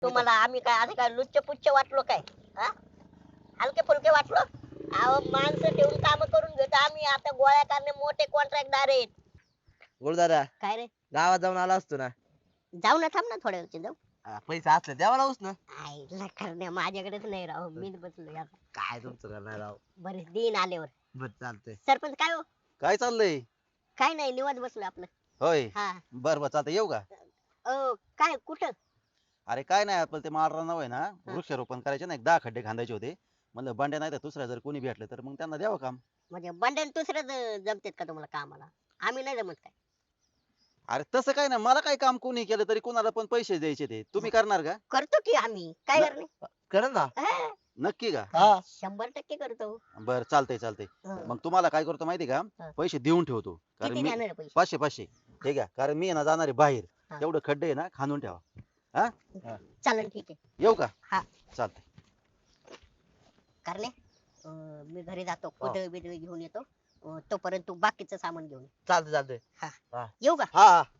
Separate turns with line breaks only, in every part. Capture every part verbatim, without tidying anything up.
तुम्हाला आम्ही काय असं काय लुच्च पुच्च वाटलो काय? हा हलके फुलके वाटलो? अहो माणसं ठेवून काम करून घेतो आम्ही. आता गोळ्या करणे मोठे कॉन्ट्रॅक्टदार आहेत.
गुरुदादा
काय रे?
गावात जाऊन आला असतो ना.
जाऊ ना, थांब ना थोड्या वेळची जाऊ.
हा, पैसे असले द्यावा लावूस ना.
आईला करण्या माझ्याकडेच नाही राव, मीच बसलो आता.
काय तुमचं करणार राव.
बरे दिन आल्यावर.
बर चालतंय.
सरपंच काय हो?
काय चाललंय?
काय नाही, निवांत बसलो आपलं.
होय.
हा.
बर बर चालतंय, येऊ का?
अ काय कुठं?
अरे काय नाही, आपलं ते माळरानाव आहे ना, वृक्षारोपण करायचे ना, एक दहा खड्डे खांदायचे होते. म्हणलं बंड्या नाही तर दुसऱ्या जर कोणी भेटलं तर मग त्यांना द्यावं काम.
म्हणजे बंड्यान दुसरं ज- जमतेत का तुम्हाला कामाला? आम्ही नाही जमत काय?
अरे तसं काय नाही, मला काय काम कोणी केलं तरी कोणाला पण पैसे द्यायचे ते. तुम्ही करणार का?
करतो की आम्ही, काय
न-
करणे?
करेल ना.
हा,
नक्की का?
हा
शंभर टक्के करतो.
बर चालतंय चालतंय.
हं.
मग तुम्हाला काय करतो माहिती का?
हा.
पैसे देऊन ठेवतो. कारण
किती
मी
घेणार आहे पैसे?
पाचशे पाचशे ठीक आहे, कारण मी आहे ना जाणार आहे बाहेर.
हा.
तेवढं खड्डे आहे ना खांदून ठेवा. हा
चालेल ठीक आहे.
येऊ का?
हा.
चालतंय.
करणे अं, मी घरी जातो, कुदळ बिदळ घेऊन येतो. अं, तोपर्यंत तू बाकीचं सामान घेऊन ये.
चालतंय चालतंय.
येऊ का?
हा हा.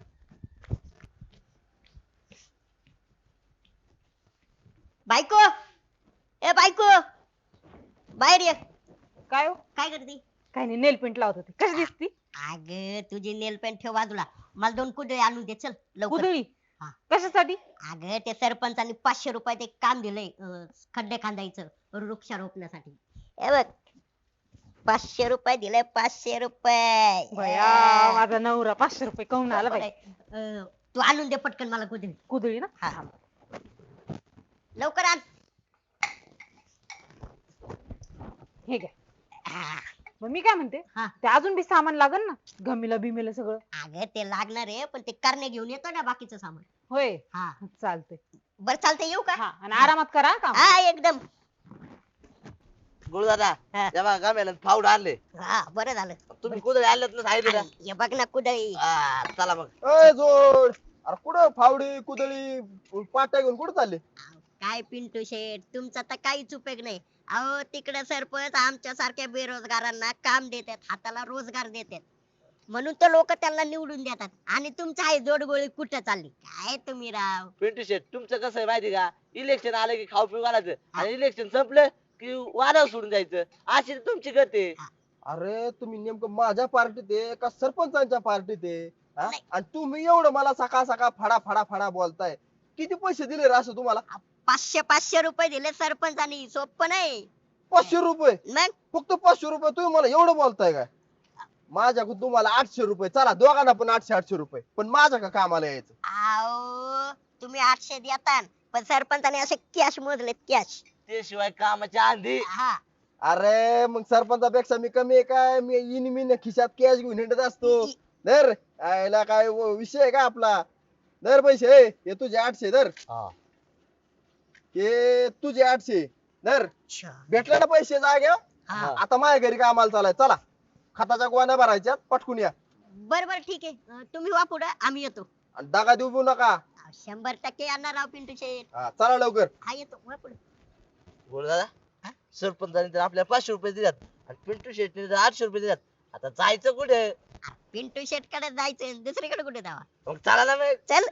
बायको, ए बायको, बाहेर ये.
काय हो?
काय करते?
काय नाही, नेल पेंट लावत होते. कशी दिसती?
अग तुझी नेल पेंट ठेव बाजूला, मला दोन कुदळे आणून दे चल लवकर.
कुदळी?
हा.
कशासाठी?
अग ते सरपंचानी पाचशे रुपयात एक काम दिलंय, अं, खड्डे खांदायचं वृक्षारोपणासाठी. हे बघ, पाचशे रुपये दिले, पाचशे रुपये.
बया, माझा नवरा पाचशे रुपये काऊन आला बाई.
अं, तू आणून दे पटकन मला कुदळी.
कुदळी ना?
हा. लवकर आण.
हे घ्या.
हा.
मग मी काय म्हणते,
हा.
ते अजून बी सामान लागल ना, गमीला बिमीला सगळं?
अगं ते लागणार आहे, पण ते करणे घेऊन येतो ना बाकीचं सामान.
होय,
हा.
चालतंय.
बरं चालतंय, येऊ का?
हा, आणि आरामात करा हा काम.
हा एकदम.
गुरुदादा
हा.
तेव्हा गाम्याला फावड आणले.
हा बरं झालं.
तुम्ही कुठे आणलेत ना सांगितलं
आणि हे बघ ना कुदळी.
ना. हा, चला मग.
अय जोड, अरे कुठं फावडी कुदळी पाट्या घेऊन कुठं चालले?
काय पिंटू शेठ, तुमचा तर काहीच उपयोग नाही. अहो तिकडे सरपंच आमच्या सारख्या बेरोजगारांना काम देतात, हाताला रोजगार देतात, म्हणून तर लोक त्यांना निवडून देतात. आणि तुमचं आहे जोडगोळी कुठं चालली काय तुम्ही राव?
पिंटू शेट तुमचं कसं आहे माहिती का? इलेक्शन आलं की खाऊ पिऊ घालायचं आणि इलेक्शन संपलं की वादावर सोडून जायचं. अशी तर तुमची गत आहे.
अरे तुम्ही नेमकं माझ्या पार्टीत आहे का सरपंचांच्या पार्टीत आहे? हा?
नाही.
आणि तुम्ही एवढं मला सकाळ सकाळ फडा फडा फडा बोलताय. किती पैसे दिले रे असं तुम्हाला?
पाचशे पाचशे रुपये दिले सरपंचानी, सोपं नाही.
पाचशे रुपये?
मग
फक्त पाचशे रुपये तुम्ही मला एवढं बोलताय काय? माझ्याकडून तुम्हाला आठशे रुपये, चला दोघांना पण आठशे आठशे रुपये, पण माझ्या का कामाला यायचं?
अहो तुम्ही आठशे देता, पण सरपंचाने असे कॅश मोजलेत, कॅश.
ते शिवाय कामाच्या आधी
हा.
अरे मग सरपंचापेक्षा मी कमी आहे काय? मी इन मी खिशात कॅश घेऊन हिंडत असतो. दर यायला काय व- विषय आहे का आपला? दर पैसे हे हे तुझे आठशे दर,
हा.
हे तुझे आठशे दर.
अच्छा.
भेटले ना पैसे जाग्या?
हा.
आता माझ्या घरी कामाला चालाय, चला खताच्या गोण्या भरायच्या, पटकून या.
बर बर ठीक आहे, अं, तुम्ही वा पुढे, आम्ही येतो.
आणि दगा देऊ नका.
अहो, शंभर टक्के येणार राव पिंटू शेठ.
हा, चला लवकर.
हा येतो, वा पुढे.
गुरुदादा सरपंचाने तर आपल्याला पाचशे रुपये दिल्यात आणि पिंटू शेटने तर आठशे रुपये दिल्यात. आता जायचं कुठे?
पिंटू शेट कडे जायचं, दुसरीकडे कुठे जावा?
मग चला ना मग.
चल.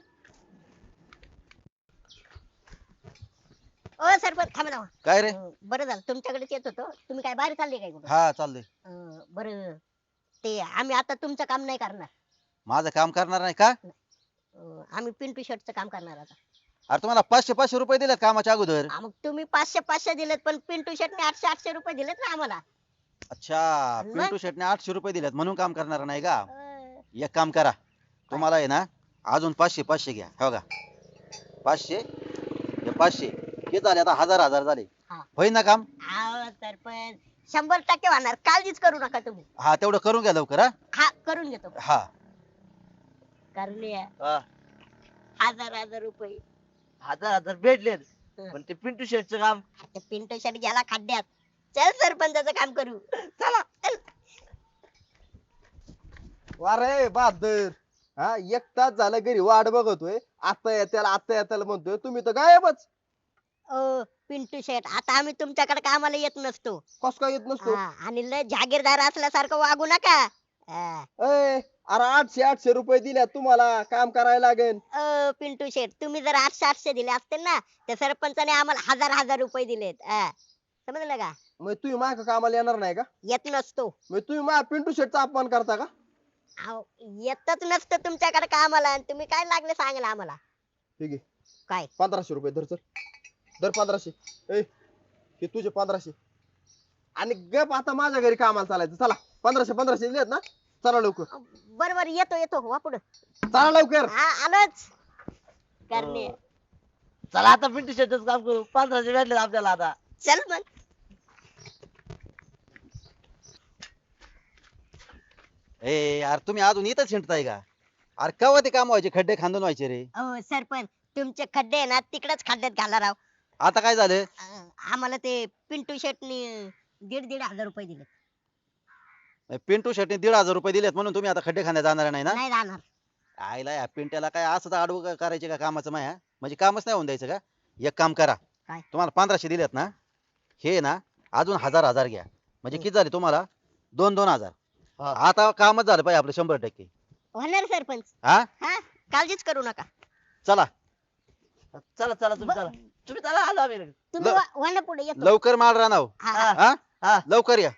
ओ सरपंच थांबा ना.
काय रे?
अं, बरं झालं तुमच्याकडेच येत होतो. तुम्ही काय बाहेर चालले काय कुठे?
हा चाललंय.
बरं, ते आम्ही आता तुमचं काम नाही करणार.
माझं काम करणार नाही का?
अं, आम्ही पिंटू शेटचं काम करणार आता.
अरे तुम्हाला पाचशे पाचशे रुपये दिलेत कामाच्या अगोदर.
हा, मग तुम्ही पाचशे पाचशे दिलेत, पण पिंटू शेटने आठशे आठशे रुपये दिलेत ना आम्हाला.
अच्छा,
मग?
पिंटू शेटने आठशे रुपये दिलेत म्हणून काम करणार नाही का?
अं,
एक काम करा, तुम्हाला आहे ना अजून पाचशे पाचशे घ्या. हो का? पाचशे हे पाचशे हे झाले, आता हजार हजार झाले.
हा.
होईल ना काम?
अहो, सरपंच शंभर टक्के होणार, काळजीच करू नका तुम्ही.
हा तेवढं करून घ्या लवकर. हा
हा करून घेतो.
हा
करणे
हा.
हजार हजार रुपये.
हजार हजार भेटलेत
हं.
पण ते पिंटू शेटचं काम.
ते पिंटू शेट गेला खड्ड्यात. चल सरपंचाचं काम करू. चला चल.
अरे बहादर, हा एक तास झालं घरी वाट बघतोय, आता येत्याला आता येत्याला म्हणतोय, तुम्ही तर गायबच.
ओ पिंटू शेट, आता आम्ही तुमच्याकडे कामाला येत नसतो.
कस काय येत नसतो?
हा, आणि लय जागीरदार असल्यासारखं वागू नका. हा.
ए, अरे आठशे आठशे रुपये दिल्या तुम्हाला काम करायला लागेल.
अ, पिंटू शेठ तुम्ही जर आठशे आठशे दिले असते ना तर सरपंचाने आम्हाला हजार हजार रुपये दिलेत हा. समजलं का?
मग तुम्ही माझ्या कामाला येणार नाही का?
येत नसतो.
मग तुम्ही माझ्या पिंटू शेटचा अपमान करता का?
अहो, येतच नसतं तुमच्याकडे कामाला आणि तुम्ही काय लागले सांगायला आम्हाला.
ठीक आहे,
काय
पंधराशे रुपये धर, चल धर पंधराशे. ए हे तुझे पंधराशे आणि गप आता माझ्या घरी कामाला चालायचं. चला पंधराशे पंधराशे दिलेत ना, चला लवकर
बर बर येतो येतो वा पुढं.
चला लवकर.
हा आलोच करणे.
चला आता पिंटू शेटच काम करू, पंधराशे भेटले आपल्याला आता.
चल मग.
ए यार तुम्ही अजून इथंच हिंडताय का? अरे केव्हा ते काम व्हायचे, खड्डे खांदून व्हायचे रे.
अहो सरपंच तुमचे खड्डे आहे ना तिकडच खड्ड्यात घाला राव.
आता काय झालं?
अं, आम्हाला ते पिंटू शेटनी दीड दीड हजार रुपये दिले.
पिंटू शेटने दीड हजार रुपये दिलेत म्हणून तुम्ही आता खड्डे खांद्या जाणार नाही ना?
नाही जाणार.
आईला या पिंट्याला काय असं आडवं करायचे का कामाचं माया? म्हणजे कामच नाही होऊन द्यायचं का? एक काम करा,
काय?
तुम्हाला पंधराशे दिलेत ना, हे ना अजून हजार हजार घ्या, म्हणजे किती झाले तुम्हाला? दोन दोन हजार.
हा.
आता कामच झालं पाहिजे आपलं शंभर टक्के.
होणार सरपंच.
हा
हा काळजीच करू नका.
चला
चला चला तुम्ही चला, तुम्ही चला, आलो आम्ही लगेच.
तुम्ही
ल-
वा- वळणा पुढे येतो.
लवकर माल राहणार.
हा,
हा.
हा.
हा
हा
लवकर या.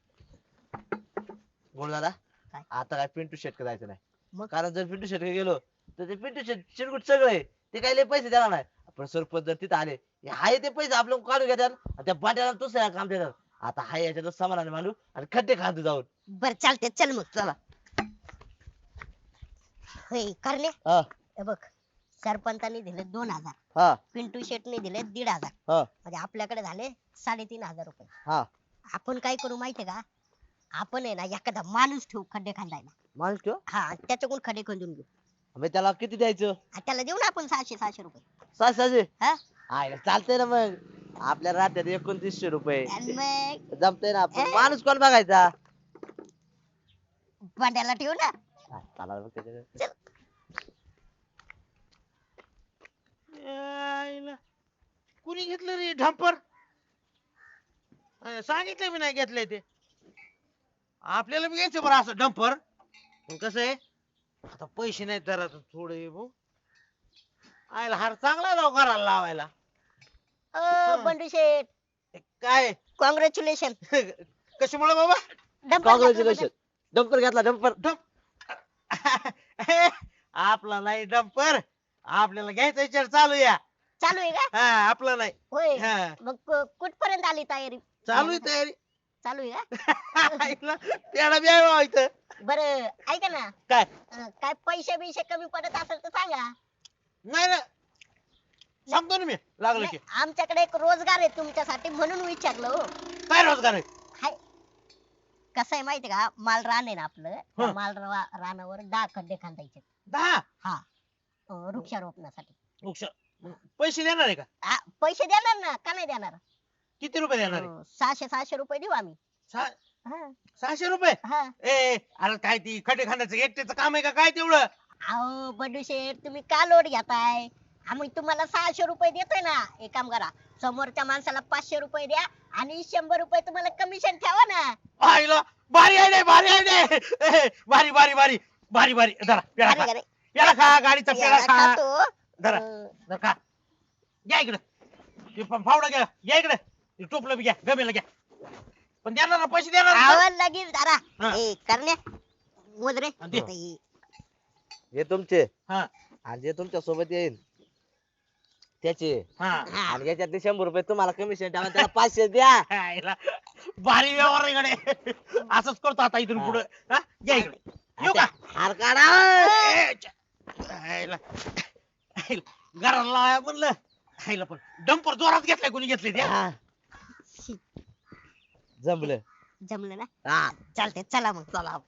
बोल दादा,
काय?
आता काय पिंटू शेटक जायचं नाही.
मग?
कारण जर पिंटू शेटक गेलो तर ते पिंटू शेट चिरकुट सगळं आहे, ते काही लय पैसे देणार नाही. पण सरपंच जर तिथे आले, हे आहे ते पैसे आपलं काढून घेतात आणि त्या बाट्याला दुसऱ्या काम देतात. आता हाय याच्यात समाधान मांडू आणि खड्डे खांदू जाऊन.
बर चालते चल मग.
चला.
होय करणे.
हा
हे बघ सरपंचानी दिले दोन हजार,
हा
पिंटू शेटने दिले दीड हजार,
हा
म्हणजे आपल्याकडे झाले साडेतीन हजार रुपये.
हा
आपण काय करू माहितीये का? आपण आहे ना एखादा माणूस ठेवू खड्डे खांदायला.
माणूस ठेव.
हा त्याच्याकडून खड्डे खंदून घेऊ.
मग त्याला किती द्यायचं?
आणि त्याला देऊ ना आपण सहाशे सहाशे रुपये.
सहा सहाशे.
हा
आहे चालतंय ना मग. आपल्या राज्यात एकोणतीसशे रुपये
आणि मग
जमतंय ना. आपण
ए.
माणूस कोण बघायचा?
भांड्याला ठेवू ना.
हा, चला मग त्याच्याकडे.
चल.
यायला. कुणी घेतलं रे ढंपर? अं, सांगितलं मी नाही घेतलंय ते. आपल्याला बी घ्यायचं बरं असं डंपर. पण कसं आहे, आता पैसे नाही तर थोडे भाऊ. आयला हार चांगला राव घराला लावायला.
अ, बंडू शेठ
हे काय
कॉंग्रॅच्युलेशन.
कशामुळे बाबा?
कॉंग्रॅच्युलेशन. डंपर घेतला डंपर.
आपला नाही डंपर, आपल्याला घ्यायचा विचार चालू या.
चालू आहे का?
हा आपला नाही.
होय.
हा
मग कु- कुठपर्यंत आली तयारी?
चालू आहे तयारी.
चालू आहे का?
आईला, त्याला बी आहे इथं.
बर ऐका ना.
काय?
अं, काय पैसे बिशे कमी पडत असेल तर सांगा.
नाही ना, सांगतो ना मी लागलं की.
नाही, आमच्याकडे एक रोजगार आहे तुमच्यासाठी म्हणून विचारलं हो.
काय रोजगार आहे?
हाय कसं आहे माहितीये का? माल रान आहे ना आपलं, त्या
हं.
माल रा- रानावर दहा खड्डे खांदायचे.
दहा
हा अं, वृक्षारोपणासाठी.
वृक्ष. पैसे देणार आहे का?
आ, पैसे देणार ना, का नाही देणार?
किती रुपये देणार आहे?
अं, सहाशे सहाशे रुपये देऊ आम्ही.
सहा-
हा,
सहाशे रुपये?
हा.
ए ए, अरे काय ती खड्डे खाण्याचं एकट्याचं काम आहे का काय तेवढं?
अहो बंडू शेठ तुम्ही का लोड घेताय? आम्ही तुम्हाला सहाशे रुपये देतोय ना. एक काम करा, समोरच्या माणसाला पाचशे रुपये द्या आणि शंभर रुपये तुम्हाला कमिशन ठेवा ना.
आईला भारी आहे रे, भारी आहे रे. ए, भारी भारी भारी भारी भारी धरा पेढा
अरे
खा.
अरे,
पेढा खा, गाडीचा पेढा
याला
खा.
खातो.
धरा
अं,
धरा खा. घ्या इकडे. ते फ- फावडा घ्या, घ्या इकडे. ते टोपलं बी घ्या, गमेला घ्या. पण देणार ना, पैसे देणार ना?
आवाज लगेच धरा.
हा.
ए करण्या मोजरे.
हा, दे.
ए,
हे तुमचे
हा
आणि जे तुमच्या सोबत येईल त्याचे.
हा.
हा.
आणि याच्यातले शंभर रुपये तुम्हाला कमिशन द्या, त्याला पाचशे द्या.
आईला, भारी व्यवहार आहे इकडे. असंच करतो आता इथून
हा.
पुढे. घ्या इकडे. येऊ का?
हार काढा.
ए, च- आईला. आईला, घराला लावाया म्हणलं. आईला पण डंपर जोरात घेतलाय, कोणी घेतले त्या?
हा,
शी,
जमलं.
जमलं ना.
हा.
चालते चला मग. चला.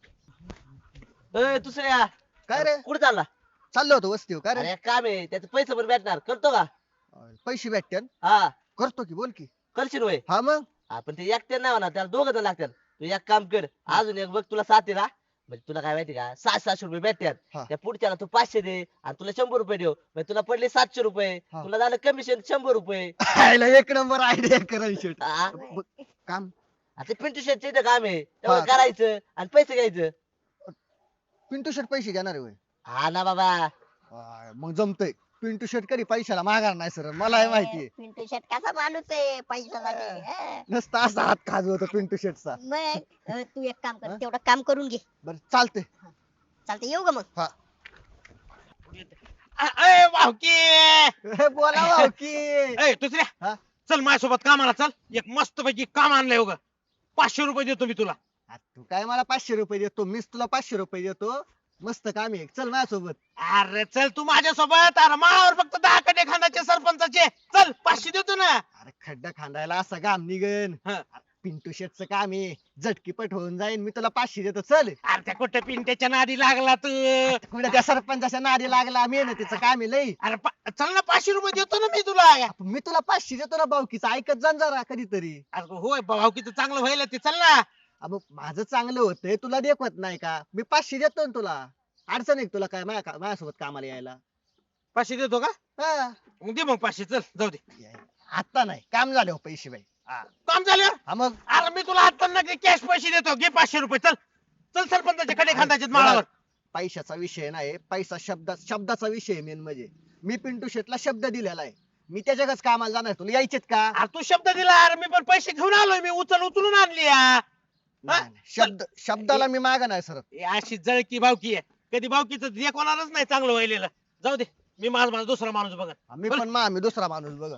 ए, दुसऱ्या
काय रे?
कुठे चालला?
चाललो होतो वस्तीवर. काय रे?
अरे काम आहे, त्याचे पैसे पण भेटणार. करतो का?
पैसे भेटते
हा
करतो की, बोल की.
करशील वय.
हा मग
हा, पण ते एकट्या नाही म्हणा, त्याला दोघं जण लागतात. तू एक काम कर, अजून एक बघ तुला साथ ना. म्हणजे तुला काय माहिती का, सात सातशे रुपये भेटतात.
हा.
त्या पुढच्याला तू पाचशे दे आणि तुला शंभर रुपये देऊ. म्हणजे तुला पडले सातशे रुपये.
हा.
तुला झालं कमिशन शंभर रुपये.
आयला एक नंबर आयडिया करायची.
हा.
काम
आता पिंटू शेटचे इथं काम आहे,
हा.
तेवढं करायचं आणि पैसे घ्यायचं.
पिंटू शेट पैसे घेणार आहे होय.
हा ना बाबा.
आय, मग जमतय. पिंटू शेट कधी पैशाला माघार नाही सर मला माहितीये.
पिंटू शेट कसा माणूस आहे पैशासाठी हा.
नसता असा हात खाजवतो पिंटू शेटचा.
मग अं, तू एक काम कर
हा?
तेवढं काम करून घे
बर चालते.
चालतं येऊ का मग
अय भाऊकी
बोला भाऊ की
अय दुसऱ्या
हा?
चल माझ्यासोबत कामाला चल एक मस्त पैकी काम आणलंय उगा पाचशे रुपये देतो मी तुला.
आ, तू काय मला पाचशे रुपये देतो मीच तुला पाचशे रुपये देतो. मस्त काम आहे चल माझ्यासोबत.
अरे चल तू माझ्यासोबत अरे मावर फक्त दहा कडे खांदाचे सरपंचाचे चल पाचशे देतो ना.
अरे खड्डा खांदायला असं काम निघन.
हा.
पिंटू शेटचं काम आहे झटकीपट होऊन जाईन मी तुला पाचशे देतो चल.
अरे त्या कुठे पिंट्याच्या नादी लागला तू.
कुठे त्या सरपंचाच्या नादी लागला मेहनतीचं काम आहे लई.
अरे पा- चल ना पाचशे रुपये देतो ना मी तुला.
मी तुला पाचशे देतो ना भाऊकीचं ऐकत जा जरा कधीतरी.
अरे होय भाऊकीचं चांगलं व्हायला ते चल ना.
अब माझं चांगलं होतंय तुला देखवत नाही का मी पाचशे देतो ना तुला. अडचण आहे का तुला काय माझ्या माझ्यासोबत कामाला यायला.
पाचशे देतो का
हा.
मग दे मग पाचशे चल जाऊ दे.
आता नाही काम झाले हो पैसे बाई.
काम झालं.
हा मग
अरे मी तुला आता ना कॅश पैसे देतो घे पाचशे रुपये चल चल सरपंचाच्या कडे खांदाचे माळावर.
पैशाचा विषय नाही पैसा शब्दा शब्दाचा विषय मेन म्हणजे मी पिंटू शेटला शब्द दिलेला आहे. मी त्याच्याकच कामाला जाणार तुला यायचेत का.
अरे तू शब्द दिला अरे मी पण पैसे घेऊन आलोय मी उचल उचलून आणली या.
नाही, नाही. शब्द शब्दाला मी माग नाही सर.
हे अशी जळकी भावकी आहे कधी भावकीचं देखवणारच नाही चांगलं व्हायलेलं. जाऊ दे मी माझा माझा दुसरा माणूस बघा.
मी पण मा मी दुसरा माणूस बघ.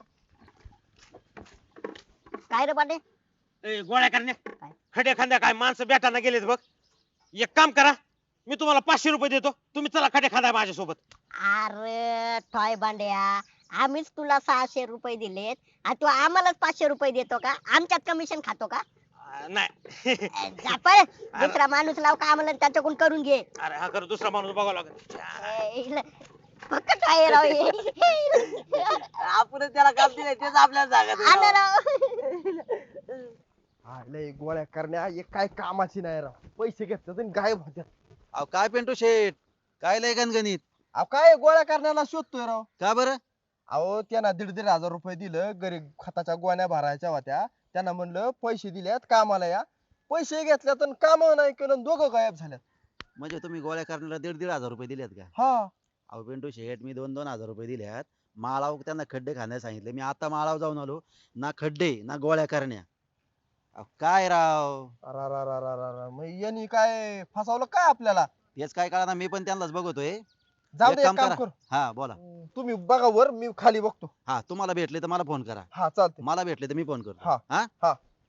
काय रे पाटे
ए, गोळ्या करण्या खड्या खांद्या काय माणसं बेटाना गेलेत बघ. एक काम करा मी तुम्हाला पाचशे रुपये देतो तुम्ही चला खड्या खांदा माझ्यासोबत.
अरे टॉय बांड्या आम्हीच तुला सहाशे रुपये दिलेत आणि तू आम्हालाच पाचशे रुपये देतो का आमच्यात कमिशन खातो का.
आ, नाही
जा पळ. दुसरा माणूस लाव का आम्हाला त्याच्याकडून करून घे.
अरे हा खरं दुसरा माणूस बघावा लागेल.
ए, इला- फक्त टॉय राव हे.
आपण त्याला काम दिलंय तेच आपल्याला
आलं
सांगत.
राव.
हा, लय गोळ्या करण्या एक काय कामाची नाही राव. पैसे घेतात आणि गायब होत्यात.
अहो काय पिंटू शेट काय लय गणगणित.
अहो काय गोळ्या करण्याला शोधतोय राव.
का बरं.
अहो त्यांना दीड दीड हजार रुपये दिलं गरीब खताच्या गोण्या भरायच्या होत्या. त्यांना म्हणलं पैसे दिल्यात कामाला या. पैसे घेतल्यात आणि काम नाही केलं दोघं गायब झाल्यात.
म्हणजे तुम्ही गोळ्या करण्याला दीड दीड हजार रुपये दिलेत का.
हा
अहो पिंटू शेट मी दोन दोन हजार रुपये दिल्यात. माळाव त्यांना खड्डे खाण्यास सांगितले मी आता माळाव जाऊन आलो ना खड्डे ना गोळ्या करण्या. अहो काय राव.
अरारारारारा. मग यांनी काय फसवलं काय आपल्याला.
तेच काय कळा मी पण त्यांनाच बघतोय.
जाऊ
एक
दे एक
काम
काम
करा.
कर.
हा बोला.
तुम्ही बघा वर मी खाली बघतो.
हा तुम्हाला भेटले तर मला फोन करा.
हा चालते.
मला भेटले तर मी फोन करतो.
हा.
हा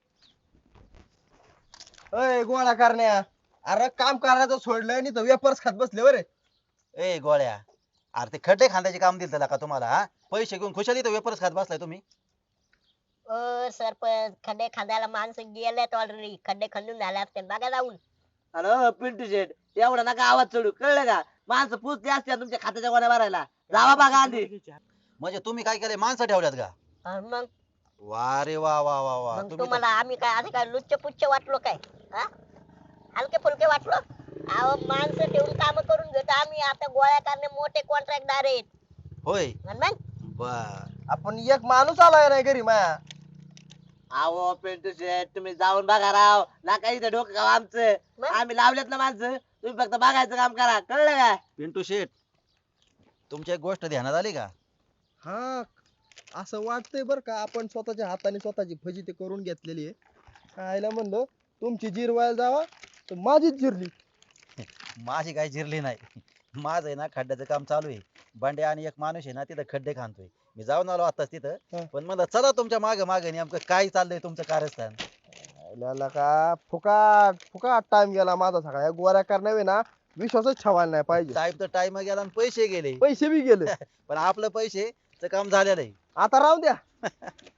अय गोळ्या करण्या अरे काम करायचं सोडलं आणि तर वेपर्स खात बसले बरे.
ए गोळ्या अरे ते खड्डे खांद्याचे काम दिलं का तुम्हाला. हा पैसे घेऊन खुशाली तर वेपर्स खात बसलाय तुम्ही.
ओ सरपंच खड्डे खांदायला माणसं गेलेत ऑलरेडी खड्डे खंदून झाले असते बघा जाऊन.
अरे पिंटू शेट एवढा नका आवाज चढू कळलं का. माणसं पुसते असते तुमच्या खात्याच्या गोण्या भरायला. जावा बघा आधी.
म्हणजे तुम्ही काय केले माणसं ठेवल्यात का.
अन मग
वा रे वा वा वा वा
मग
तुम्ही
तुम्हाला आम्ही काय असं काय लुच्च पुच्च वाटलो काय हा? हलके फुलके वाटलो. अहो माणसं ठेवून काम करून घेतो आम्ही आता गोळ्या करणे मोठे कॉन्ट्रॅक्टदार आहेत.
तर- होय
अन मग
बर.
आपण एक माणूस आलाय नाही घरी माया.
अहो पिंटू शेट तुम्ही जाऊन बघा राव. नका इथे डोकं खाऊ आमचं.
मग?
आम्ही लावलेत ना माणसं तुम्ही फक्त बघायचं काम करा कळलं का.
पिंटू शेट तुमची एक गोष्ट ध्यानात आली का.
हा असं वाटतंय बर का आपण स्वतःच्या हाताने स्वतःची फजिती करून घेतलेली आहे. खायला म्हणलं तुमची जिरवायला जावा तर माझीच जिरली.
माझी काही जिरली नाही. माझं आहे ना खड्ड्याचं काम चालू आहे. बंड्या आणि एक माणूस आहे ना तिथं खड्डे खांदतोय. मी जाऊन आलो आताच
हा.
तिथं पण म्हणलं चला तुमच्या मागे मागे नेमकं काय चाललंय तुमचं कारस्थान.
खायला का फुकाट फुकाट टाइम गेला माझा सगळा. या गोळ्या करण्यावे ना विश्वासच ठेवायला नाही पाहिजे.
टाइम तर टाइम गेला आणि पैसे गेले
पैसे बी गेले
पण आपलं पैसेच काम झालेलं आहे.
आता राहू द्या.